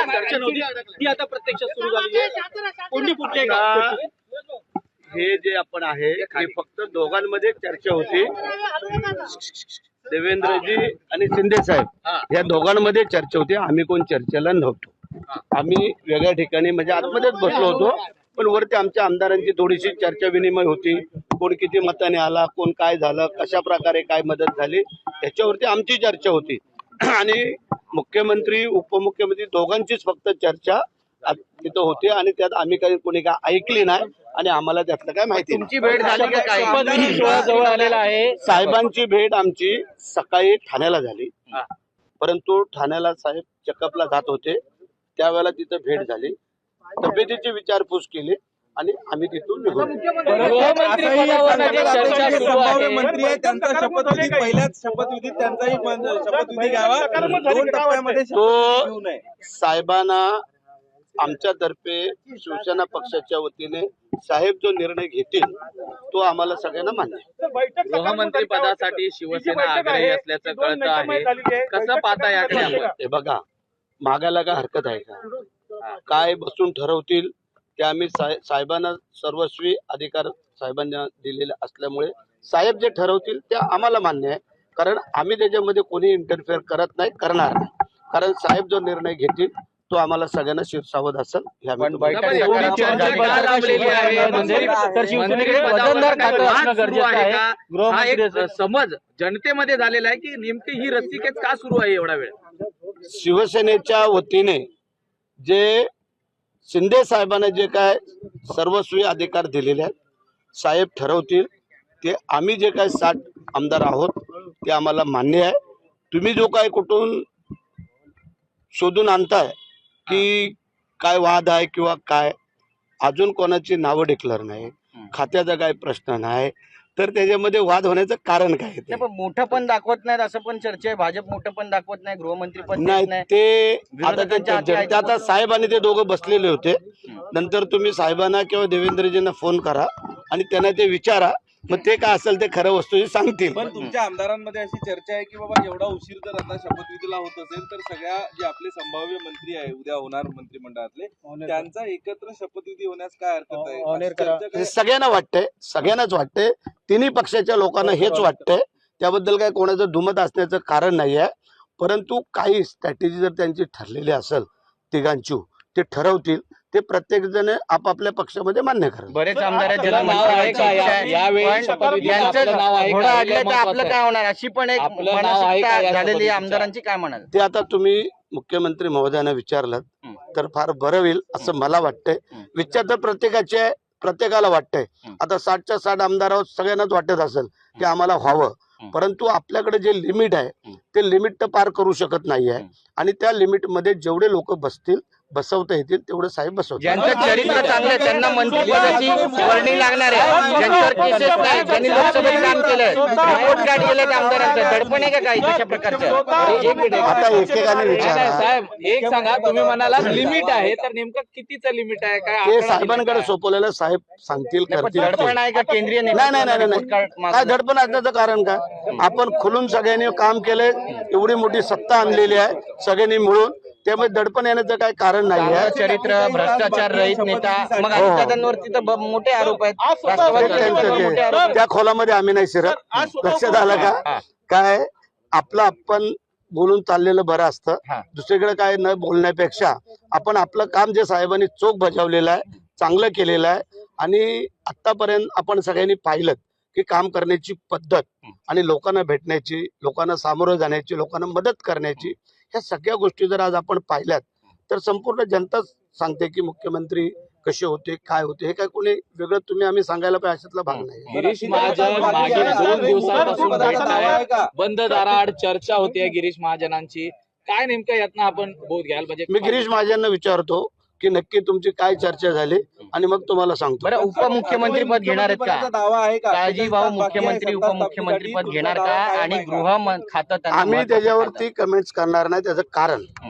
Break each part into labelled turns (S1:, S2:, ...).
S1: चर्चा नव्हती ती आता प्रत्यक्षात सुरू झाली आहे. कोणती कुठली का
S2: हे जे आपण आहे हे फक्त दोघांमध्ये चर्चा होती. देवेंद्रजी आणि शिंदे साहेब या दोघांमध्ये चर्चा होती. आम्ही कोण चर्चेला नव्हतो. आम्ही वेगळ्या ठिकाणी म्हणजे आतमध्येच बसलो होतो. पण वरती आमच्या आमदारांची थोडीशी चर्चा विनिमय होती. कोण किती मताने आला, कोण काय झालं, कशा प्रकारे काय मदत झाली याच्यावरती आमची चर्चा होती. आणि मुख्यमंत्री उपमुख्यमंत्री दोघांचीच फक्त चर्चा तिथं होती आणि त्यात आम्ही काही कोणी काय ऐकली नाही आणि आम्हाला त्यातलं काय माहिती नाही.
S1: तुमची भेट झाली का काय? जवळ आलेला आहे.
S2: साहेबांची भेट आमची सकाळी ठाण्याला झाली. परंतु ठाण्याला साहेब चेकअपला जात होते त्यावेळेला तिथं भेट झाली. तब्येतीची विचारपूस केली आणि आम्ही तिथून निघून
S3: मंत्री आहे त्यांचा शपथविधी पहिल्याच शपथविधीत त्यांचाही शपथविधी घ्यावा.
S2: तो साहेबांना आमच्यातर्फे शिवसेना पक्षाच्या वतीने साहेब जो निर्णय घेतील तो आम्हाला सगळ्यांना मान्य आहे.
S1: गृहमंत्री पदासाठी शिवसेना आग्रही असल्याचं कळतं आहे. कसं पाहता याकडे आपण?
S2: हे बघा, मागायला काय हरकत आहे का? काय बसून ठरवतील ते आम्ही साहेबांना सर्वस्वी अधिकार साहेबांना दिलेले असल्यामुळे साहेब जे ठरवतील ते आम्हाला मान्य आहे. कारण आम्ही त्याच्यामध्ये कोणी इंटरफेअर करत नाही, करणार नाही. कारण साहेब जो निर्णय घेतील तो आम्हाला सगळ्यांना शिरसावत असेल.
S1: समज जनतेमध्ये झालेला आहे की नेमकी ही रस्सीखेच का सुरू आहे एवढा वेळ?
S2: शिवसेनेच्या वतीने जे शिंदे साहेबांना जे काय सर्वस्वी अधिकार दिलेले आहेत, साहेब ठरवतील ते. आम्ही जे काय 60 आमदार आहोत ते आम्हाला मान्य आहे. तुम्ही जो काय कुठून शोधून आणताय की काय वाद आहे किंवा काय, अजून कोणाची नावं डिक्लेअर नाही, खात्याचा काय प्रश्न नाही, तर त्याच्यामध्ये वाद होण्याचं कारण काय?
S4: पण मोठं पण दाखवत नाहीत असं पण चर्चा आहे. भाजप मोठं पण दाखवत नाही, गृहमंत्री पण
S2: नाही. ते आता साहेब आणि ते दोघं बसलेले होते. नंतर तुम्ही साहेबांना किंवा देवेंद्रजींना फोन करा आणि त्यांना ते विचारा, मग ते काय असेल ते खरं वस्तू सांगतील.
S3: पण तुमच्या आमदारांमध्ये अशी चर्चा आहे की बाबा एवढा उशीर जर आता शपथविधीला होत असेल तर सगळ्या जे आपले संभाव्य मंत्री आहे उद्या होणार मंत्रिमंडळातले त्यांचा एकत्र शपथविधी होण्यास काय हरकत आहे?
S2: सगळ्यांना वाटतंय, सगळ्यांनाच वाटतंय. तिन्ही पक्षाच्या लोकांना हेच वाटतंय. त्याबद्दल काय कोणाचं दुमत असण्याचं कारण नाही आहे. परंतु काही स्ट्रॅटेजी जर त्यांची ठरलेली असेल तिघांची, ते ठरवतील ते प्रत्येक जण आपापल्या पक्षामध्ये मान्य करेल.
S4: बरेच आमदार आपलं काय होणार अशी पण एक मानसिकता झालेली आमदारांची, काय म्हणाल
S2: ते आता तुम्ही मुख्यमंत्री महोदयांना विचारलं तर फार बरं होईल असं मला वाटतंय. विचार तर प्रत्येकाला वाटतंय. आता 60च्या 60 आमदार आहोत, सगळ्यांनाच वाटत असेल की आम्हाला व्हावं. परंतु आपल्याकडे जे लिमिट आहे ते लिमिट तर पार करू शकत नाही आहे. आणि त्या लिमिटमध्ये जेवढे लोक बसवता येतील तेवढं साहेब बसवतात.
S4: ज्यांचं चरित्र चांगलं त्यांना मंत्रिपदाची वर्णी लागणार आहे. ज्यांच्यावर केसेस नाही, ज्यांनी लोकसभेत काम केलंय, रिपोर्ट कार्ड गेलं आमदारांचं, दडपण आहे का काही तशा प्रकारचं?
S2: आता एकेकाने विचारा.
S1: साहेब एक सांगा, तुम्ही म्हणाला लिमिट आहे, तर नेमकं कितीचं लिमिट आहे? काय
S2: ते साहेबांकडे सोपवलेलं साहेब सांगतील, करतील.
S4: दडपण आहे का केंद्रीय?
S2: नाही. काय दडपण असण्याचं कारण काय? आपण खुलून सगळ्यांनी काम केलंय, एवढी मोठी सत्ता आणलेली आहे सगळ्यांनी मिळून, त्यामुळे दडपण येण्याचं काय कारण नाही आहे.
S4: चरित्र, भ्रष्टाचार रहित नेता, मग दादांवरती तर मोठे आरोप आहेत.
S2: त्या खोलामध्ये आम्ही नाही शिरत. लक्षात आलं का? काय आपलं आपण बोलून चाललेलं बरं असतं. दुसरीकडे काय न बोलण्यापेक्षा आपण आपलं काम जे साहेबांनी चोख बजावलेलं आहे, चांगलं केलेलं आहे. आणि आतापर्यंत आपण सगळ्यांनी पाहिलं की काम करण्याची पद्धत आणि लोकांना भेटण्याची, लोकांना सामोरं जाण्याची, लोकांना मदत करण्याची, ह्या सगळ्या गोष्टी जर आज आपण पाहिल्यात तर संपूर्ण जनता सांगते की मुख्यमंत्री कसे होते, काय होते. हे काय कोणी वेगळं तुम्ही आम्ही सांगायला पाहिजे अशातला भाग नाही.
S1: गिरीश महाजन मागील 2 दिवसांपासून बंद दाराआड चर्चा होते गिरीश महाजनांची. काय नेमकं यातनं आपण बोध घ्याल? म्हणजे
S2: मी गिरीश महाजनांना विचारतो की नक्की तुमची काय चर्चा झाली आणि मग तुम्हाला सांगतो.
S4: बरं, उपमुख्यमंत्री पद घेणार आहेत का? दावा आहे का काळजी भाऊ मुख्यमंत्री उपमुख्यमंत्री पद घेणार का? आणि गृह खातं
S2: आम्ही त्याच्यावरती कमेंट्स करणार नाही. त्याचं कारण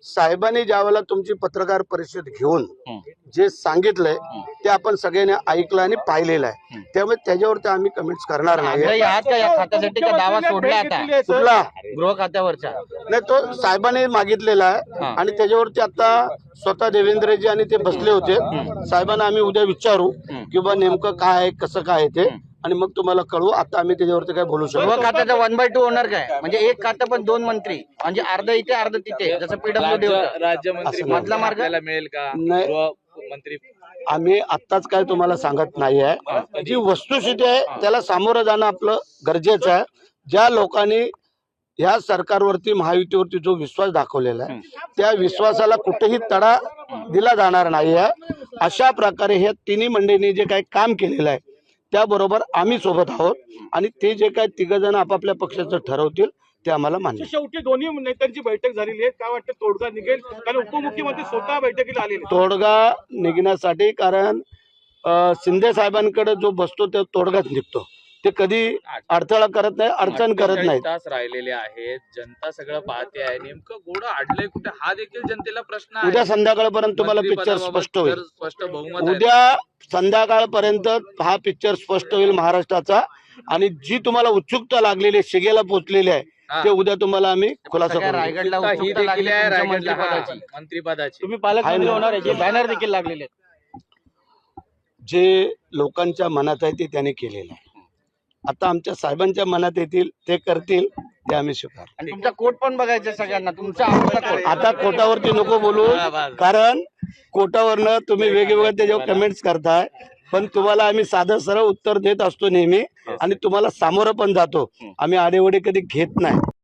S2: साहेबांनी ज्यावेळेला तुमची पत्रकार परिषद घेऊन जे सांगितलंय ते आपण सगळ्यांनी ऐकलं आणि पाहिलेलं आहे, त्यामुळे त्याच्यावरती आम्ही कमेंट्स करणार नाही.
S4: आग्रही आहात का या खात्यासाठी का दावा सोडला आता
S2: कुठला
S4: गृह खात्यावरचा?
S2: नाही, तो साहेबांनी मागितलेला आहे आणि त्याच्यावरती आता स्वतः देवेंद्रजी आणि ते बसले होते. साहेबांना आम्ही उद्या विचारू की बा नेमकं काय आहे, कसं काय आहे ते, आणि मग तुम्हाला कळवू. आता आम्ही त्याच्यावरती काय बोलू शकतो.
S4: गृह खात्याचा 1/2 होणार काय? म्हणजे एक खातं पण 2 मंत्री, म्हणजे अर्ध इथे अर्ध तिथे, जसं पीडब्ल्यूडी
S1: राज्यमंत्री
S2: असं
S1: मधला मार्ग आपल्याला मिळेल का?
S2: नाही.
S1: गृहमंत्री
S2: आम्ही आत्ताच काय तुम्हाला सांगत नाही आहे. जी वस्तुस्थिती आहे त्याला सामोरं जाणं आपलं गरजेचं आहे. ज्या लोकांनी ह्या सरकारवरती महायुतीवरती जो विश्वास दाखवलेला आहे त्या विश्वासाला कुठेही तडा दिला जाणार नाही आहे. अशा प्रकारे ह्या तिन्ही मंडळींनी जे काही काम केलेलं आहे त्याबरोबर आम्ही सोबत आहोत आणि ते जे काही तिघ जण आपापल्या पक्षाचं ठरवतील ते आम्हाला मान्य.
S5: शेवटी दोन्ही नेत्यांची बैठक झालेली आहे, काय वाटतं तोडगा निघेल? कारण उपमुख्यमंत्री स्वतः बैठकीला आलेले.
S2: तोडगा निघण्यासाठी, कारण शिंदे साहेबांकडे जो बसतो तो तोडगाच निघतो. ते कधी अडथळा करत नाही, अडचण करत नाही.
S1: तास राहिलेले आहेत, जनता सगळं पाहते आहे, नेमकं घोडं अडलंय कुठे हा देखील जनतेला प्रश्न आहे.
S2: उद्या संध्याकाळपर्यंत तुम्हाला पिक्चर स्पष्ट होईल.
S1: स्पष्ट बहुमत आहे.
S2: उद्या संध्याकाळपर्यंत हा पिक्चर स्पष्ट होईल महाराष्ट्राचा, आणि जी तुम्हाला उत्सुकता लागलेली शिगेला पोहोचलेली आहे ते उद्या तुम्हाला आम्ही खुलासा करू.
S4: रायगडला
S1: ही
S4: उत्सुकता
S1: देखील
S4: लागली
S1: आहे
S4: तुमच्या
S1: रायगडला,
S4: मंत्रिपदाची.
S1: मंत्रिपदाची.
S5: तुम्ही पालकमंत्री होणार आहे, बॅनर देखील लागलेले आहेत.
S2: जे लोकांच्या मनात आहे ते त्यांनी केलेलं आहे. आता आमच्या साहेबांच्या मनात येतील ते करतील, ते आम्ही स्वीकार.
S4: आणि तुमचा कोट पण बघायचा सगळ्यांना, तुमचा आवडता कोट.
S2: आता कोटावरती नको बोलू, कारण कोटावरनं तुम्ही वेगवेगळ्या त्याच्यावर कमेंट्स करताय, पण तुम्हाला आम्ही साधं सरळ उत्तर देत असतो नेहमी, आणि तुम्हाला सामोरं पण जातो. आम्ही आडेवडे कधी घेत नाही.